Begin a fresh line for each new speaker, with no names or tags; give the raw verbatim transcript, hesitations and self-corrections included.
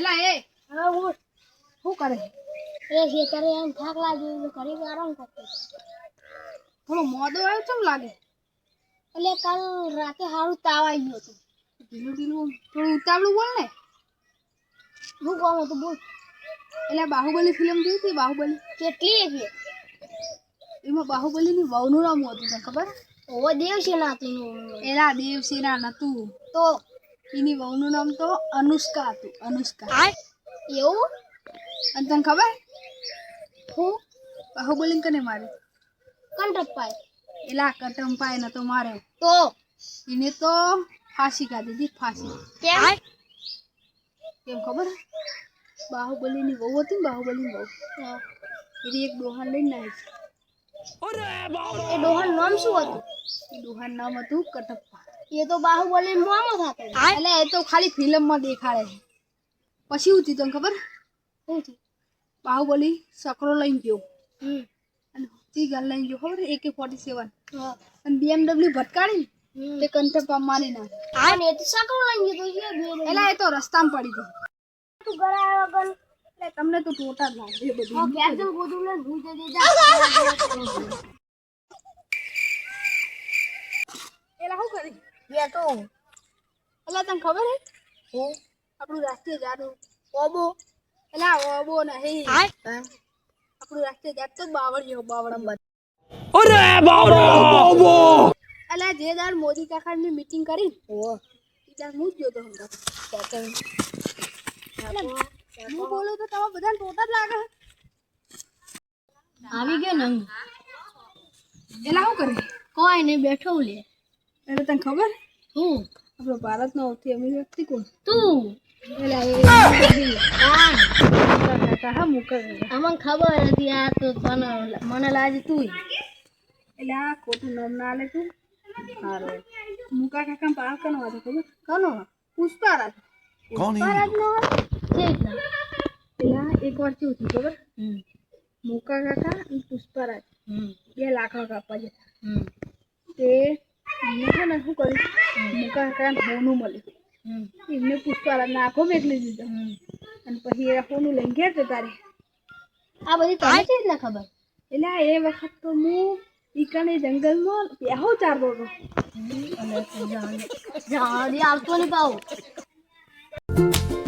એલા એ
હા હું
શું કરે
એ ખેતરે એમ થાક લાગ્યો એટલે ઘરે આરામ કરતો
થોડો મોડો આવ્યો કેમ લાગે
એટલે કાલ રાતે સારું તાવ આવી ગયો હતો
ઢીલું ઢીલું થોડું ઉતાવળું બોલ ને
હું કોમ હતું બોલ
એટલે બાહુબલી ફિલ્મ જોઈ હતી બાહુબલી
કેટલી એટલે
એમાં બાહુબલીની વહુનું નામ હતું તને ખબર
ઓ દેવ છે ના તું
એલા દેવસેના નતું
તો
એની વહુનું નામ તો અનુષ્કા હતું અનુષ્કા
એવું
અને તને ખબર
હું
બાહુબલી કને મારે
કંટપ્પાય
એલા કટંપાય નતો માર્યો
તો
એને તો ફાંસી કાઢી હતી ફાંસી
કેમ
કેમ ખબર બાહુબલીની વહુ હતી ને બાહુબલીની વહુ એની એક ડોહાન લઈને આવી
એ ડોહાન નામ શું હતું
એ ડોહાન નામ હતું કટપ્પા
એ તો બાહુબલી મોમો થતો
એટલે એ તો ખાલી ફિલ્મમાં દેખાડે છે પછી શું થયું તને ખબર
શું થયું
બાહુબલી સકરો લઈને ગયો
હમ
અને તી ગન લઈને ગયો ખબર એકે ફોર્ટી સેવન
હા
અને બીએમડબલ્યુ ભટકાડી
હમ
તે કંટપ્પા મારી નાખે
અને એ તો સાકળ લઈ ગયો તો એ બે
એટલે એ તો રસ્તામાં પડી ગઈ
તું ઘરે આવ્યો કન
એટલે તમને તો ટોટા જ લાગે એ બધું
હા ઘેર જઈને ગોદું લઈને ભૂઈ જજે જા
એલા શું કરી
યા તો
એટલે તને ખબર હે
હું
આપણું રાષ્ટ્રીય ઝાડ
ઓબો
એટલે આ ઓબો નહીં આપણું રાષ્ટ્રીય ઝાડ તો બાવળિયો બાવળમ
અરે બાબો
એટલે જે દાડ મોદી કાકાની મીટિંગ કરી
ઓ
એ દાડ હું જ ગયો તો હમણાં હું બોલું તો તમે બધાને ટોટા જ લાગે
આવી ગયો ને
એલા શું કરે
કોઈ નહીં બેઠો લે
એટલે તને ખબર
હું
આપણો ભારતનો સૌથી અમીર વ્યક્તિ કોણ
તું
એટલે એ
હા
કાકા હા મુકર
અમને ખબર હતી આ તો મને મને લાગે તું
એટલે આ ખોટું નામ ના લે તું સારું મુકા કાકા પાર કનો હતો ખબર
કોનો
પુષ્પારાજ
कौन है
પરત નો ઠીક ને
પેલા એક વાર શું થયું ખબર
હમ
મુકા કાકા અને પુષ્પારાજ
હમ
બે લાકડા કાપવા જતા
હમ
તે એમને છે ને શું કર્યું મુકા કાકાને હોનું મળ્યું
હમ
એમને પુષ્પારાજને આંખો મેકલી દીધો અને પછી એ હોનું લઈને ઘેર જતા રહે
આ બધી તને ચીજ ના ખબર
એટલે આ એ વખત તો હું ઈકાને જંગલમાં બેહો ચારતો હતો
અને જાણી આવતો નહીં પાવ